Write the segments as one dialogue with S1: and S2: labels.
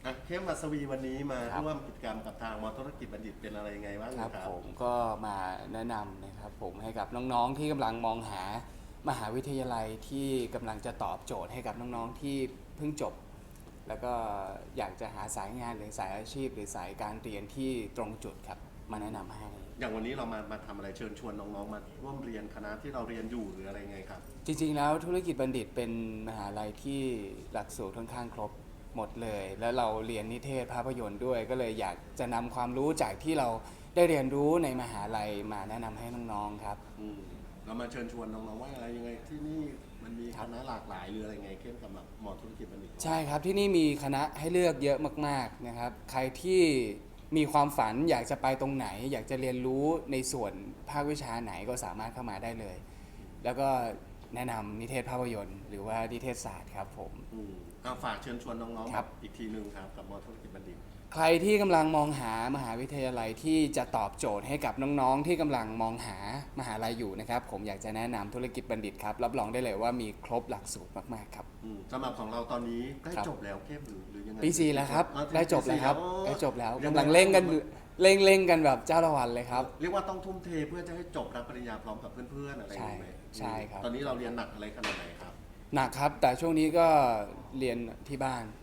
S1: เข้มมัสวีวันนี้มา
S2: ครับ
S1: ร่วมกิจกรรมกับทางมอธุรกิจบัณฑิตเป็นอะไรยังไงบ้าง
S2: ครับ
S1: ครับ
S2: ผมก็มาแนะนำนะครับผมให้กับน้องๆที่กำลังมองหามหาวิทยาลัยที่กำลังจะตอบโจทย์ให้กับน้องๆที่เพิ่งจบแล้วก็อยากจะหาสายงานหรือสายอาชีพหรือสายการเรียนที่ตรงจุดครับมาแนะนำให้
S1: อย่างวันนี้เรามาทำอะไรเชิญชวนน้องๆมาร่วมเรียนคณะที่เราเรียนอยู่หรืออะไรไงครับ
S2: จริงๆแล้วธุรกิจบัณฑิตเป็นมหาลัยที่หลักสูตรค่อนข้างครบหมดเลยแล้วเราเรียนนิเทศภาพยนตร์ด้วยก็เลยอยากจะนำความรู้จากที่เราได้เรียนรู้ในมหาลัยมาแนะนำให้น้องๆครับ
S1: เรามาเชิญชวนน้องๆว่าอะไรยังไงที่นี่มันมีคณะหลากหลายหรืออะไรไงเข้มสำหรับมอธุรกิจบัณฑิต
S2: ใช่ครับที่นี่มีคณะให้เลือกเยอะมากๆนะครับใครที่มีความฝันอยากจะไปตรงไหนอยากจะเรียนรู้ในส่วนภาควิชาไหนก็สามารถเข้ามาได้เลยแล้วก็แนะนำนิเทศภาพยนตร์หรือว่านิเทศศาสตร์ครับผม
S1: ฝากเชิญชวนน้อง
S2: ครับ
S1: ๆอีกทีหนึ่งครับกับมอธุรกิจบัณฑิต
S2: ใครที่กำลังมองหามหาวิทยาลัยที่จะตอบโจทย์ให้กับน้องๆที่กำลังมองหามหาลัยอยู่นะครับผมอยากจะแนะนำธุรกิจบัณฑิตครับรับรองได้เลยว่ามีครบหลักสูตรมากๆครับ
S1: สำหรับของเราตอนนี้ใกล้
S2: ครับ
S1: จบแล้วเข้มหรือยังไง
S2: ปี4แล้วครับได้จบแล้วครับได้จบแล้ว
S1: ยังไง
S2: กำลังเร่งกันเร่งกันแบบเจ้าละวันเลยครับ
S1: เรียกว่าต้องทุ่มเทเพื่อจะให้จบรับปริญญาพร้อมกับเพื่อนๆอะไรอย่างเงี้ย
S2: ใช่ครับ
S1: ตอนนี้เราเรียนหนักอะไรขนาดไหนครับ
S2: หนักครับแต่ช่วงนี้ก็เรียนที่บ้าน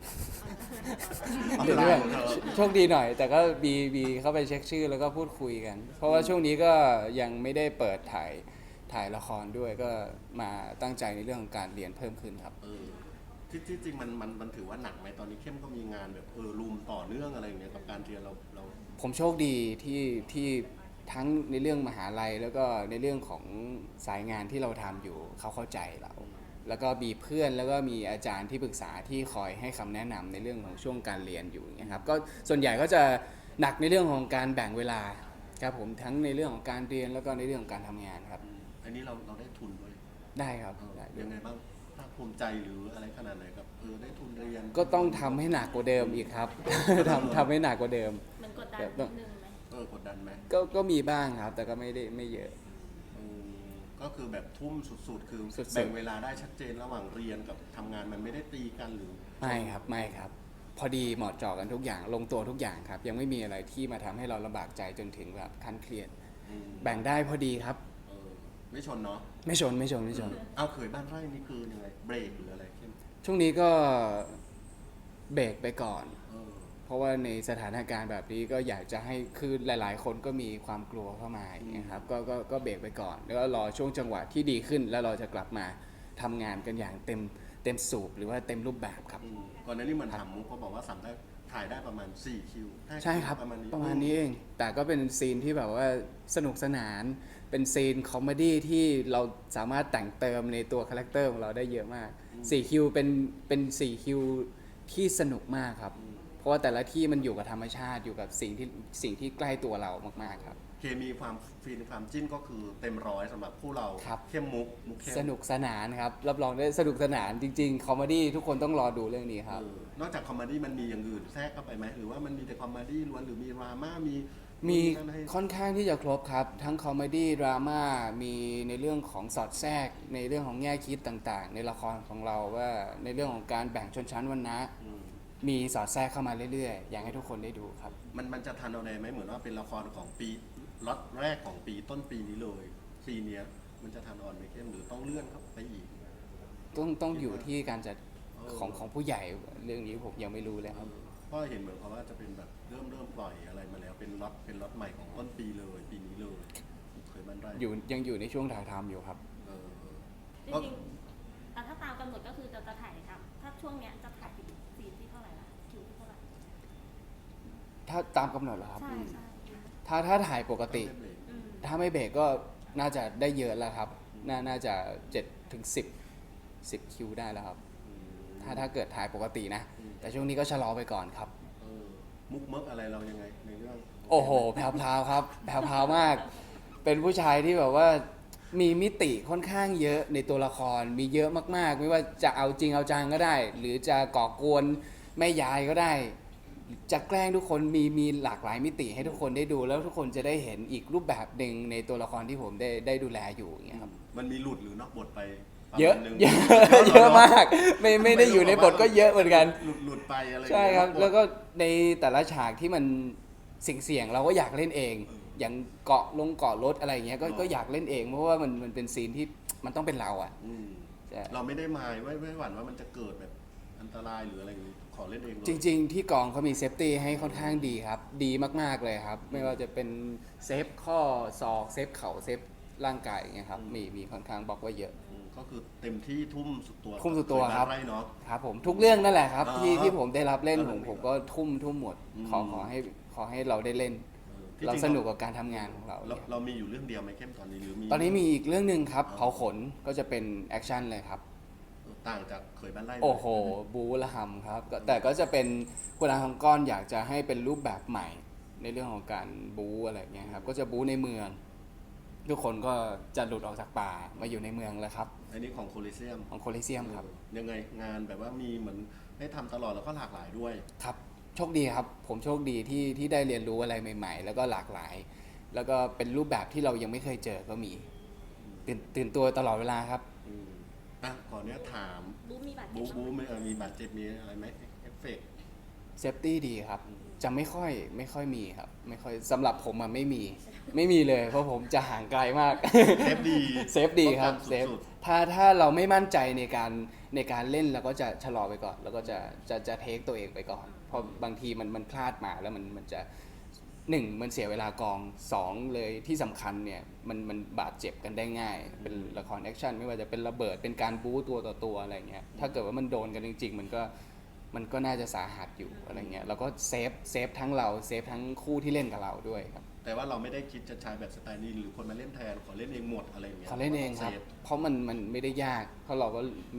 S2: เรียนที่บ้านโชคดีหน่อยแต่ก็มีเข้าไปเช็คชื่อแล้วก็พูดคุยกัน เพราะว่าช่วงนี้ก็ยังไม่ได้เปิดถ่ายละครด้วยก็มาตั้งใจในเรื่องของการเรียนเพิ่มขึ้นครับ
S1: ที่จริงมันถือว่าหนักไหมตอนนี้เข้มก็มีงานแบบรูมต่อเนื่องอะไรอย่างเงี้ยกับการเรียนเรา
S2: ผมโชคดีที่ทั้งในเรื่องมหาลัยแล้วก็ในเรื่องของสายงานที่เราทำอยู่เขาเข้าใจเราแล้วก็มีเพื่อนแล้วก็มีอาจารย์ที่ปรึกษาที่คอยให้คำแนะนำในเรื่องของช่วงการเรียนอยู่นะครับก็ส่วนใหญ่ก็จะหนักในเรื่องของการแบ่งเวลาครับผมทั้งในเรื่องของการเรียนแล้วก็ในเรื่องของการทำงานครับ
S1: อันนี้เราได้ทุนด้วย
S2: ได้ครับได้
S1: ยังไงบ้างภาคภูมิใจหรืออะไรขนาดไหนกับได้ทุนเรียน
S2: ก็ต้องทำให้หนักกว่าเดิมอีกครับ ทำให้หนักกว่าเดิม
S3: มันกดดันนิดนึงไหม
S1: กดดันไหม
S2: ก็มีบ้างครับแต่ก็ไม่เยอะ
S1: ก็คือแบบทุ่มสุดๆคือ
S2: สุดๆ
S1: แบ่งเวลาได้ชัดเจนระหว่างเรียนกับทำงานมันไม่ได้ตีกันหรือ
S2: ไม่ครับพอดีเหมาะเจาะกันทุกอย่างลงตัวทุกอย่างครับยังไม่มีอะไรที่มาทำให้เราลำบากใจจนถึงแบบขั้นเครียดแบ่งได้พอดีครับ
S1: ไม่ชนเนาะ
S2: ไม่ชน
S1: เอาเขยบ้านไร่นี่คือยังไงเบรกหรืออะไรเข้ม
S2: ช่วงนี้ก็เบรกไปก่อน
S1: เออ
S2: เพราะว่าในสถานการณ์แบบนี้ก็อยากจะให้คือหลายๆ คนก็มีความกลัวเข้ามาอย่างเงี้ยครับก็เบรกไปก่อนแล้วก็รอช่วงจังหวะที่ดีขึ้นแล้วเราจะกลับมาทำงานกันอย่างเต็มสูบหรือว่าเต็มรูปแบบครับ
S1: ก่อนหน้านี้เหมือนถามมุกเขาบอกว่าสามารถถ่ายได้ประมาณ4คิว
S2: ใช่ครับ
S1: ประมาณนี้
S2: เองแต่ก็เป็นซีนที่แบบว่าสนุกสนานเป็นซีนคอมเมดี้ที่เราสามารถแต่งเติมในตัวคาแรคเตอร์ของเราได้เยอะมาก4คิวเป็น4คิวที่สนุกมากครับเพราะว่าแต่ละที่มันอยู่กับธรรมชาติอยู่กับสิ่งที่ใกล้ตัวเรามากๆครับ
S1: เคมีความฟีนความจิ้นก็คือเต็มร้อยสำหรับคู่เรา
S2: ครับ
S1: เข้มมุกเข้ม
S2: สนุกสนานครับรับรองได้สนุกสนานจริงๆคอมเมดี้ทุกคนต้องรอดูเรื่องนี้ครับ
S1: นอกจากคอมเมดี้มันมีอย่างอื่นแทรกเข้าไปไหมหรือว่ามันมีแต่คอมเมดี้ล้วนหรือมีดราม่า
S2: มีค่อนข้างที่จะครบครับทั้งคอมเมดี้ดราม่ามีในเรื่องของสอดแทรกในเรื่องของแง่คิดต่างๆในละครของเราว่าในเรื่องของการแบ่งชนชั้นวรรณะมีสอดแทรกเข้ามาเรื่อยๆอยากให้ทุกคนได้ดูครับ
S1: มันจะทันเอาแน่ไหมเหมือนว่าเป็นละครของปีล็อตแรกของปีต้นปีนี้เลยปีเนี้ยมันจะทันออนไหมเข้มหรือต้องเลื่อนเข้าไปอีก
S2: ต้องอยู่ที่การจัดของผู้ใหญ่เรื่องนี้ผมยังไม่รู้เลยครับ
S1: เพราะเห็นเหมือนเขาว่าจะเป็นแบบเริ่มปล่อยอะไรมาแล้วเป็นล็อตใหม่ของต้นปีเลยปีนี้เลยเคยมันได้
S2: ยังอยู่ในช่วงถ่ายทำอยู่ครับ
S3: จริงๆถ้าตามกำหนดก็คือจะถ่ายครับถ้าช่วงเนี้ยจะถ่ายถึงซีนที่เท่าไหร่ละคิวที่เท่าไหร่
S2: ถ้าตามกำหนดเหรอครับ
S3: ใช่
S2: ถ้าถ่ายปกติถ้าไม่เบรกก็น่าจะได้เยอะแล้วครับน่าจะ7 ถึง 10คิวได้แล้วครับถ้าเกิดถ่ายปกตินะแต่ช่วงนี้ก็ชะลอไปก่อนครับ
S1: มุกเมิกอะไรเรายังไงในเรื่อง
S2: โอ้โหแพรวๆครับแพรวๆมากเป็นผู้ชายที่แบบว่ามีมิติค่อนข้างเยอะในตัวละครมีเยอะมากๆไม่ว่าจะเอาจริงเอาจังก็ได้ หรือจะก่อกวนแม่ยายก็ได้จะแกล้งทุกคนมีหลากหลายมิติให้ทุกคนได้ดูแล้วทุกคนจะได้เห็นอีกรูปแบบหนึ่งในตัวละครที่ผมได้ดูแลอยู่อย่างเงี้ยครับ
S1: มันมีหลุดหรือนอกบทไปประ
S2: เยอะ
S1: มาณหนึ่ง
S2: เยอะเยอะมากไม่ได้อยู่ในบทก็เยอะเหมือนกัน
S1: หลุดไปอะไรอย่าง
S2: ใช่
S1: เงี้ย
S2: ครับ แล้วก็ในแต่ละฉากที่มันเสี่ยงๆเราก็อยากเล่นเอง อย่างเกาะรถอะไรอย่างเงี้ยก็อยากเล่นเองเพราะว่ามันเป็นซีนที่มันต้องเป็นเราอ่ะ
S1: อืม
S2: ใช่
S1: เราไม่ได้หมายไม่หวั่นว่ามันจะเกิดแบบอันตรายหรืออะไรอย่างงี้ขอเล่นเองเลย
S2: จริงๆ ที่กองเขามีเซฟตี้ให้ค่อนข้างดีครับ ดีมากๆเลยครับ ไม่ว่าจะเป็นเซฟข้อศอกเซฟเข่าเซฟร่างกายอย่างเงี้ยครับมีค่อนข้างบล็อกไว้เยอะ
S1: ก็คือเต็มที่ทุ่มสุดตัว
S2: ทุ่มสุดตัวครับ
S1: เคยมาไล่เนาะ
S2: ครับผมทุกเรื่องนั่นแหละครับ
S1: อ๋อ
S2: ที่ผมได้รับเล่น
S1: เออ
S2: ผมก็ทุ่มหมด
S1: อืม
S2: ขอให้เราได้เล่น
S1: ที่
S2: เรา
S1: จง
S2: สนุกกับการทำงานของเรา
S1: เรามีอยู่เรื่องเดียวไหมเข้มตอนนี้หรือมี
S2: ตอนนี้มีอีกเรื่องหนึ่งครับ
S1: อ๋อ
S2: เผาขนก็จะเป็นแอคชั่นเลยครับ
S1: ต่างจากเคยบ้านไล่
S2: โอ้โห บูละหำครับแต่ก็จะเป็นคุณอาทองก้อนอยากจะให้เป็นรูปแบบใหม่ในเรื่องของการบูอะไรเงี้ยครับก็จะบูในเมือง ทุกคนก็จะหลุดออกจากป่ามาอยู่ในเมืองแล้วครับ
S1: อันนี้ของโคลิเซียม
S2: ของโคลิเซียมครับ
S1: ยังไงงานแบบว่ามีเหมือนให้ทำตลอดแล้วก็หลากหลายด้วย
S2: ครับโชคดีครับผมโชคดีที่ได้เรียนรู้อะไรใหม่ ๆ แล้วก็หลากหลาย แล้วก็เป็นรูปแบบที่เรายังไม่เคยเจอก็มีตื่นตัวตลอดเวลาครับ
S1: อืมอ่ะขอเนี้ยถาม
S3: บูมีบาดเจ็
S1: บู
S3: บ
S1: บูมีบาดเจ็บมีอะไรไหมเอฟเฟกต์
S2: เซฟตี้ดีครับ จะไม่ค่อยมีครับไม่ค่อยสำหรับผมอะไม่มีเลย เพราะผมจะห่างไกลมาก
S1: เซฟดี
S2: เซฟดีครับ
S1: ป้องกัน
S2: เซฟ
S1: สุด
S2: ถ้าเราไม่มั่นใจในการเล่นเราก็จะชะลอไปก่อนแล้วก็จะเทคตัวเองไปก่อนเพราะบางทีมันพลาดมาแล้วมันจะหนึ่งมันเสียเวลากองสองเลยที่สำคัญเนี่ยมันบาดเจ็บกันได้ง่าย เป็นละครแอคชั่นไม่ว่าจะเป็นระเบิดเป็นการบู๊ตัวต่อตัวอะไรเงี้ยถ้าเกิดว่ามันโดนกันจริงๆมันก็น่าจะสาหัสอยู่อะไรเงี้ยเราก็เซฟทั้งเราเซฟทั้งคู่ที่เล่นกับเราด้วยครับ
S1: แต่ว่าเราไม่ได้คิดจะใช้แบบสไตล์นี้หรือคนมาเล่นแทนขอเล่นเองหมดอะไรอย่างเงี้ย
S2: ขอเล่นเองครับ
S1: ซฟ
S2: เพราะมันไม่ได้ยาก เพราะเราก็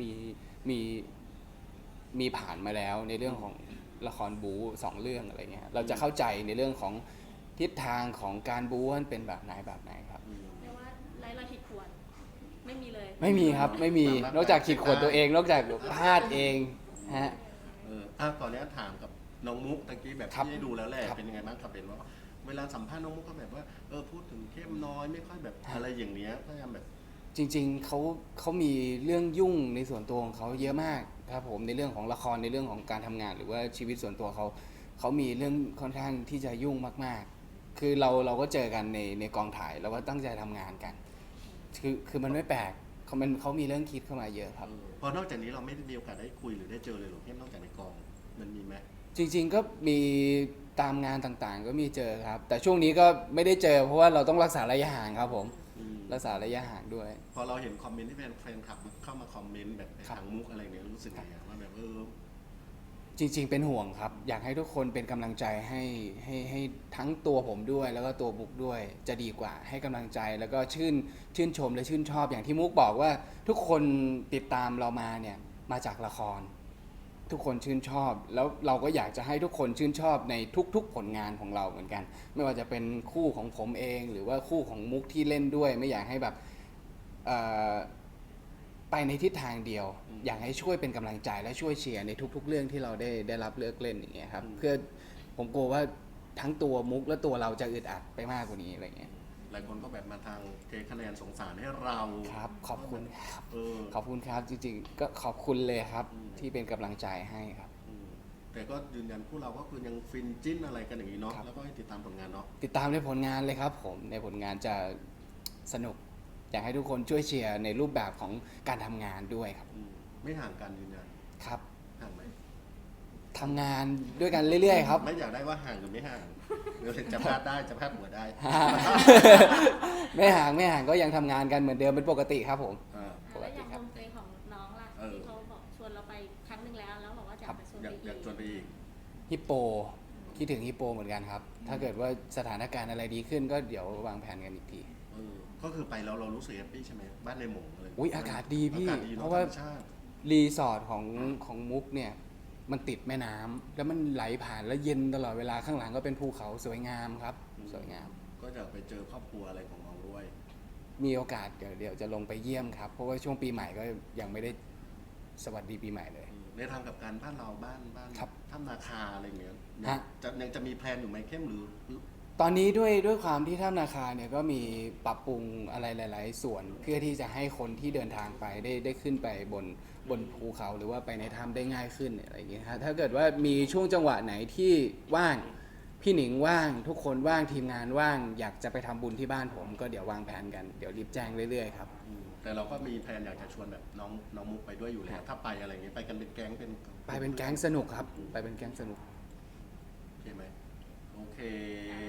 S2: มีผ่านมาแล้วในเรื่องของละครบู๊สองเรื่องอะไรเงี้ย เราจะเข้าใจในเรื่องของทิศทางของการบู๊มันเป็นแบบไหนครับ
S1: อืม
S3: เรียกว่าไร้รอยผิดควรไม่มีเลย
S2: ไม่มีครับ ไม่มี นอกจากขีดข่วนตัวเอง นอกจากพลาดเองฮะ
S1: ตอนนี้ถามกับน้องมุกตะกี้แบบ
S2: ครับ
S1: ที่ได้ดูแล้วแหละ
S2: ครับ
S1: เป็นยังไงบ้างครับเป็นว่าเวลาสัมภาษณ์น้องมุกก็แบบว่าพูดถึงเข้มน้อยไม่ค่อยแบบอะไรอย่างเนี้ยพยายามแบบ
S2: จริงๆเขามีเรื่องยุ่งในส่วนตัวของเขาเยอะมากครับผมในเรื่องของละครในเรื่องของการทำงาน หรือว่าชีวิตส่วนตัวเขามีเรื่องค่อนข้างที่จะยุ่งมากๆ คือเราก็เจอกันในกองถ่ายเราก็ตั้งใจทำงานกัน คือมันไม่แปลกเขามีเรื่องคิดเข้ามาเยอะครับ
S1: พอนอกจากนี้เราไม่ได้มีโอกาสได้คุยหรือได้เจอเลยหรอเข้มนอกจากในกองมันมีไหม
S2: จริงๆก็มีตามงานต่างๆ ก็มีเจอครับ แต่ช่วงนี้ก็ไม่ได้เจอเพราะว่าเราต้องรักษาระยะห่างครับผม
S1: อืม
S2: รักษาระยะห่างด้วย
S1: พอเราเห็นคอมเมนต์ที่แฟนคลับเข้ามาคอมเมนต์แบบใน
S2: ครับ
S1: ทางมุกอะไรเนี่ยรู้สึกไงอะว่าแบบ
S2: จริงๆ เป็นห่วงครับ อยากให้ทุกคนเป็นกำลังใจให้ทั้งตัวผมด้วย แล้วก็ตัวมุกด้วยจะดีกว่าให้กำลังใจแล้วก็ชื่นชมและชื่นชอบอย่างที่มุกบอกว่าทุกคนติดตามเรามาเนี่ยมาจากละคร ทุกคนชื่นชอบ แล้วเราก็อยากจะให้ทุกคนชื่นชอบในทุกๆผลงานของเราเหมือนกัน ไม่ว่าจะเป็นคู่ของผมเอง หรือว่าคู่ของมุกที่เล่นด้วย ไม่อยากให้แบบไปในทิศทางเดียว อยากให้ช่วยเป็นกำลังใจและช่วยเชียร์ในทุกๆ เรื่องที่เราได้รับเลือกเล่นอย่างเงี้ยครับเพื่อผมกลัวว่าทั้งตัวมุกและตัวเราจะอึดอัดไปมากกว่านี้อะไรเงี้ย
S1: หลายคนก็แบบมาทางเทคะแนนสงสารให้เรา
S2: ครับขอบคุณครับ
S1: เออ
S2: ขอบคุณครับจริงๆก็ขอบคุณเลยครับ
S1: อืม
S2: ที่เป็นกำลังใจให้ครับ
S1: อืมแต่ก็ยืนยันพวกเราก็คือยังฟินจิ้นอะไรกันอย่างนี้เนาะ
S2: ครับ
S1: แล้วก็ให้ติดตามผลงานเนาะ
S2: ติดตามในผลงานเลยครับผมในผลงานจะสนุก อยากให้ทุกคนช่วยเชียร์ในรูปแบบของการทำงานด้วยครับ
S1: อืมไม่ห่างกันยืนยัน
S2: ครับ
S1: ห่างไหม
S2: ทำงานด้วยกันเรื่อยๆครับ
S1: ไม่อยากได้ว่าห่างหรือไม่ห่างเดี๋ยวจะพลาดได้จะพลาดหัวได้
S2: ไม่ห่างก็ยังทำงานกันเหมือนเดิมเป็นปกติครับผม
S1: อ่า
S3: แล้วอย่างวงเพลงของน้องล่ะ
S1: เออ
S3: ที่เขาบอกชวนเราไปครั้งหนึ่งแล้วบอกว่าอยากไปชวน
S1: อยาก
S3: ไป
S1: อยากชวนไปอีก
S2: ฮิปโปคิดถึงฮิปโปเหมือนกันครับ ถ้าเกิดว่าสถานการณ์อะไรดีขึ้นก็เดี๋ยววางแผนกันอีกที
S1: ก็คือไปแล้วเรารู้สึกแฮปปี้ใช่ไหมบ้านในหมงอะไร
S2: อุ๊ยอากาศดีพี่
S1: อากาศดี
S2: เพ
S1: เพ
S2: ราะ
S1: ราะ
S2: ว่า
S1: ว่าชาติ
S2: รีสอร์ทของมุกเนี่ยมันติดแม่น้ำแล้วมันไหลผ่านแล้วเย็นตลอดเวลาข้างหลังก็เป็นภูเขาสวยงามครับ สวยงาม
S1: ก็จะไปเจอครอบครัวอะไรของน้องด้วย
S2: มีโอกาสเดี๋ยวจะลงไปเยี่ยมครับ เพราะว่าช่วงปีใหม่ก็ยังไม่ได้สวัสดีปีใหม่เลย
S1: ในทางกับการบ้านเราบ้าน
S2: ครับ
S1: ถ้ำนาคาอะไรอย่างเงี้ย
S2: ฮะ
S1: ยังจะมีแพลนอยู่ไหมเข้มหรือ
S2: ตอนนี้ด้วยความที่ถ้ำนาคาเนี่ยก็มีปรับปรุงอะไรหลาย ๆ ส่วนเพื่อที่จะให้คนที่เดินทางไปได้ขึ้นไปบนภูเขาหรือว่าไปในถ้ำได้ง่ายขึ้นอะไรอย่างเงี้ยฮะถ้าเกิดว่ามีช่วงจังหวะไหนที่ว่างพี่หนิงว่างทุกคนว่างทีมงานว่างอยากจะไปทำบุญที่บ้านผมก็เดี๋ยววางแผนกันเดี๋ยวรีบแจ้งเรื่อย ๆ ครับ
S1: แต่เราก็มีแผนอยากจะชวนแบบน้องมุกไปด้วยอยู่แล้วถ้าไปอะไรอย่างเงี้ยไปกันเป็นแก๊งเป็น
S2: ไปเป็นแก๊งสนุกครับไปเป็นแก๊งสนุก
S1: โอเคไหมโอเค